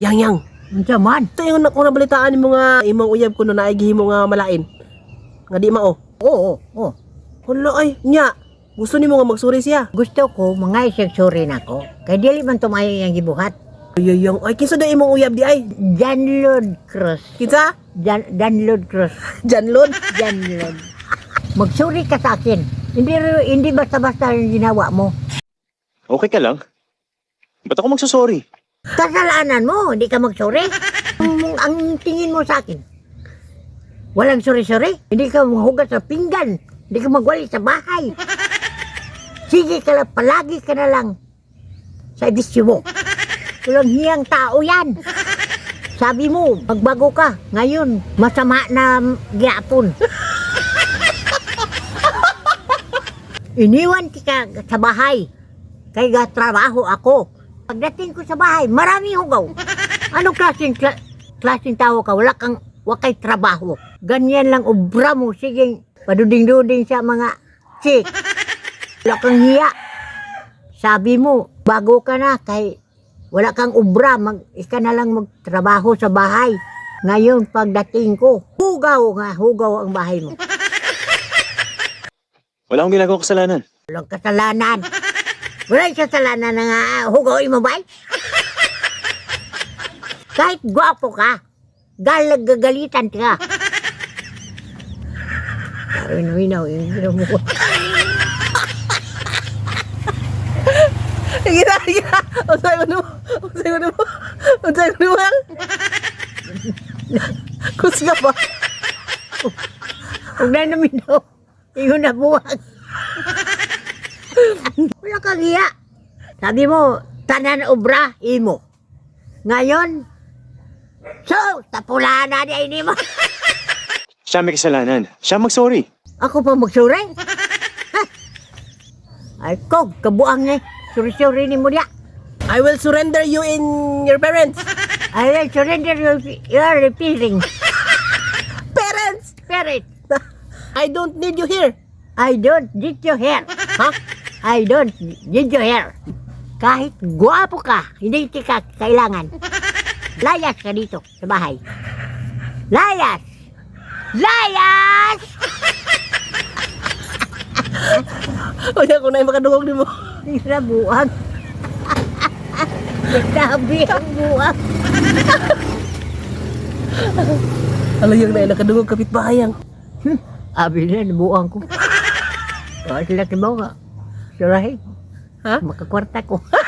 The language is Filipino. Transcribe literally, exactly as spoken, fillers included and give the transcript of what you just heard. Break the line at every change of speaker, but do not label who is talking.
Yang yang.
Unsa man?
Ito yung kung nabalitaan mo nga imong uyab ko no naay gihimo nga malain. Nga di mao.
Oo, oo.
Hala ay nya. Gusto nimo nga magsuri siya.
Gusto ko mga iseksuri na ko. Kay dili man tumayo yang gibuhat.
Ay yang ay kinsa da imong uyab di ay?
Janlod Cruz.
Kinsa?
Jan Janlod Cruz.
Janlon.
Janlod. Magsuri ka sa akin. Hindi hindi basta-basta yung ginawa mo.
Okay ka lang? Ba't ako magsasorry?
Kasalanan mo, hindi ka magsuri. Ang, ang tingin mo sa akin, walang suri-suri. Hindi ka maghugas sa pinggan. Hindi ka magwali sa bahay. Sige ka lang, palagi ka na lang sa edisyo mo. Walang hiyang tao yan. Sabi mo, magbago ka. Ngayon, masama na gyapon. Iniwan ka sa bahay. Kaya trabaho ako. Pagdating ko sa bahay, marami hugaw. Anong klaseng, kla, klaseng tao ka? Wala kang, wakay trabaho. Ganyan lang obra mo. Sige, paduding-duding sa mga chick. Wala kang hiya. Sabi mo, bago ka na, kay wala kang obra. Mag, ika na lang magtrabaho sa bahay. Ngayon, pagdating ko, hugaw nga, hugaw ang bahay mo.
Wala akong ginagawang kasalanan.
Walang kasalanan. Wala yung kasalanan na nga hugawin mo ba? Kahit gwapo ka, galag gagalitan ka. Pero inaw-inaw yung ginawa mo.
Gina gina. Unsay mo no? Unsay mo no? Unsay mo no? Kusga ba?
Huwag na namin daw. Ingon na buwag. Wala kang hiya. Sabi mo, tanan obra, imo. Ngayon, so, tapulahan na niya ini mo.
Siya may kasalanan. Siya mag-sorry.
Ako pa magsuri? Ha? Ay ko, kabuang niya. Suri-suri ni mo niya.
I will surrender you in your parents.
I will surrender your, your repairing.
Parents!
Parent,
I don't need you here.
I don't need your hair. Ha? I don't need your hair. Kahit guwapo ka, hindi ka kailangan. Layas ka dito sa bahay. Layas! Layas!
O siya kung na makadungog ni mo.
Tira buwag. Sabi ang buwag.
Alayang na nakadungog kapitbahayang.
Hmm, abi na, nabuang ko. Oh, sila si Bawa. Surahin.
Ha?
Makakwarta ko.